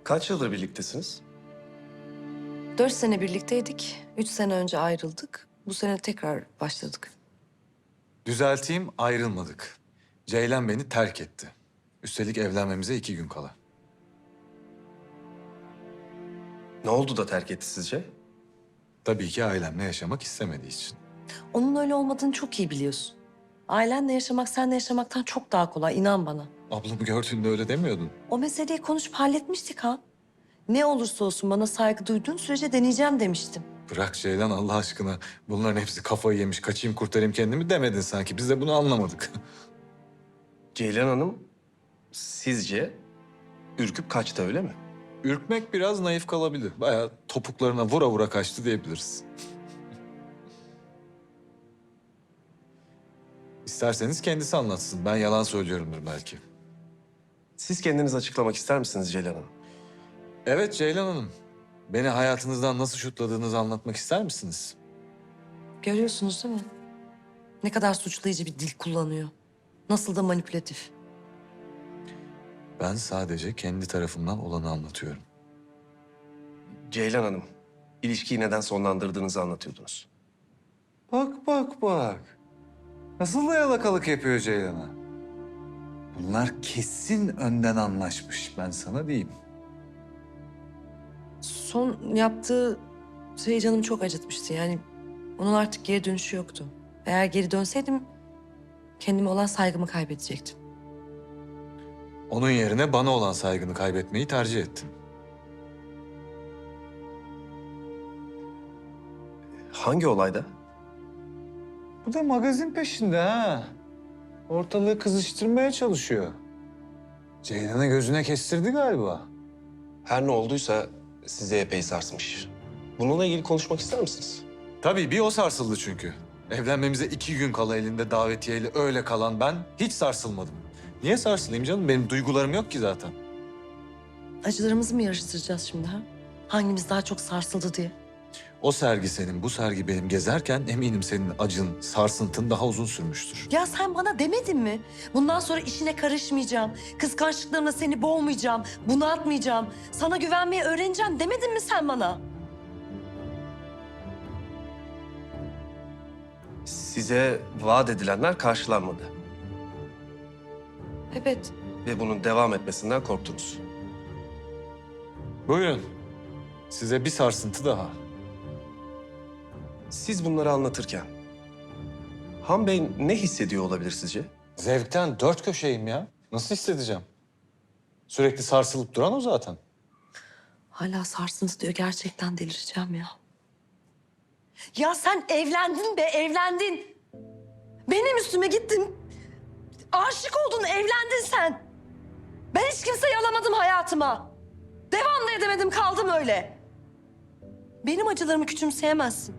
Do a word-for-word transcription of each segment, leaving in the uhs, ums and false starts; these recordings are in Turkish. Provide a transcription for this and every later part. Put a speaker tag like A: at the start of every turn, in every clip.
A: Kaç yıldır birliktesiniz?
B: Dört sene birlikteydik. Üç sene önce ayrıldık. Bu sene tekrar başladık.
C: Düzelteyim, ayrılmadık. Ceylan beni terk etti. Üstelik evlenmemize iki gün kala.
A: Ne oldu da terk etti sizce?
C: Tabii ki ailemle yaşamak istemediği için.
B: Onun öyle olmadığını çok iyi biliyorsun. Ailenle yaşamak seninle yaşamaktan çok daha kolay, inan bana.
C: Ablamı gördüğünde öyle demiyordun.
B: O meseleyi konuşup halletmiştik ha. Ne olursa olsun bana saygı duyduğun sürece deneyeceğim demiştim.
C: Bırak Ceylan Allah aşkına. Bunların hepsi kafayı yemiş. Kaçayım kurtarayım kendimi demedin sanki. Biz de bunu anlamadık.
A: Ceylan Hanım sizce ürküp kaçtı öyle mi?
C: Ürkmek biraz naif kalabilir. Bayağı topuklarına vura vura kaçtı diyebiliriz. İsterseniz kendisi anlatsın. Ben yalan söylüyorumdur belki.
A: Siz kendiniz açıklamak ister misiniz Ceylan Hanım?
C: Evet Ceylan Hanım. Beni hayatınızdan nasıl şutladığınızı anlatmak ister misiniz?
B: Görüyorsunuz değil mi? Ne kadar suçlayıcı bir dil kullanıyor. Nasıl da manipülatif.
C: Ben sadece kendi tarafımdan olanı anlatıyorum.
A: Ceylan Hanım, ilişkiyi neden sonlandırdığınızı anlatıyordunuz.
D: Bak bak bak. Nasıl da yalakalık yapıyor Ceylan'a. Bunlar kesin önden anlaşmış, ben sana diyeyim.
B: Son yaptığı şey canımı çok acıtmıştı. Yani onun artık geri dönüşü yoktu. Eğer geri dönseydim kendime olan saygımı kaybedecektim.
C: Onun yerine bana olan saygını kaybetmeyi tercih ettin.
A: Hangi olayda?
D: Bu da magazin peşinde ha. Ortalığı kızıştırmaya çalışıyor. Ceylan'ı gözüne kestirdi galiba.
A: Her ne olduysa sizi epey sarsmış. Bununla ilgili konuşmak ister misiniz?
C: Tabii bir o sarsıldı çünkü. Evlenmemize iki gün kala elinde davetiyeyle öyle kalan ben hiç sarsılmadım. Niye sarsılayım canım? Benim duygularım yok ki zaten.
B: Acılarımızı mı yarıştıracağız şimdi ha? Hangimiz daha çok sarsıldı diye.
C: O sergi senin, bu sergi benim gezerken eminim senin acın, sarsıntın daha uzun sürmüştür.
B: Ya sen bana demedin mi? Bundan sonra işine karışmayacağım. Kıskançlıklarımla seni boğmayacağım. Bunaltmayacağım. Sana güvenmeyi öğreneceğim demedin mi sen bana?
A: Size vaat edilenler karşılanmadı.
B: Evet.
A: Ve bunun devam etmesinden korktunuz.
C: Buyurun. Size bir sarsıntı daha.
A: Siz bunları anlatırken Han Bey ne hissediyor olabilir sizce?
C: Zevkten dört köşeyim ya. Nasıl hissedeceğim? Sürekli sarsılıp duran o zaten.
B: Hala sarsıntı diyor. Gerçekten delireceğim ya. Ya sen evlendin be, evlendin. Benim üstüme gittin. Aşık oldun, evlendin sen. Ben hiç kimseyi alamadım hayatıma. Devam da edemedim, kaldım öyle. Benim acılarımı küçümseyemezsin.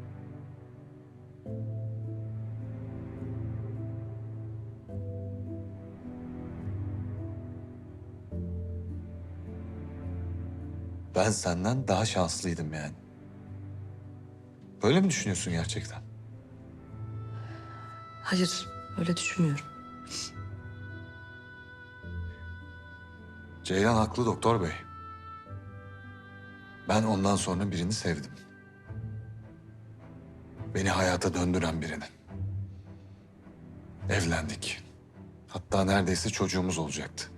C: Ben senden daha şanslıydım yani. Böyle mi düşünüyorsun gerçekten?
B: Hayır, öyle düşünmüyorum.
C: Ceylan haklı doktor bey. Ben ondan sonra birini sevdim. Beni hayata döndüren birini. Evlendik. Hatta neredeyse çocuğumuz olacaktı.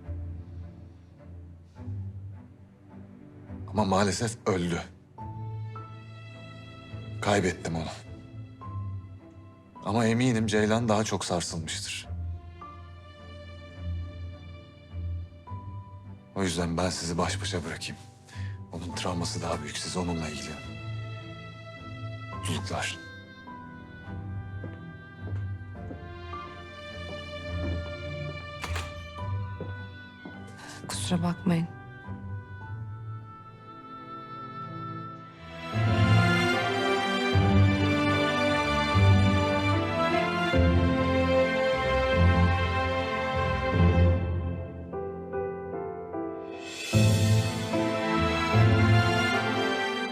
C: Ama maalesef öldü. Kaybettim onu. Ama eminim Ceylan daha çok sarsılmıştır. O yüzden ben sizi baş başa bırakayım. Onun travması daha büyük. Siz onunla ilgilenin. Mutluluklar.
B: Kusura bakmayın.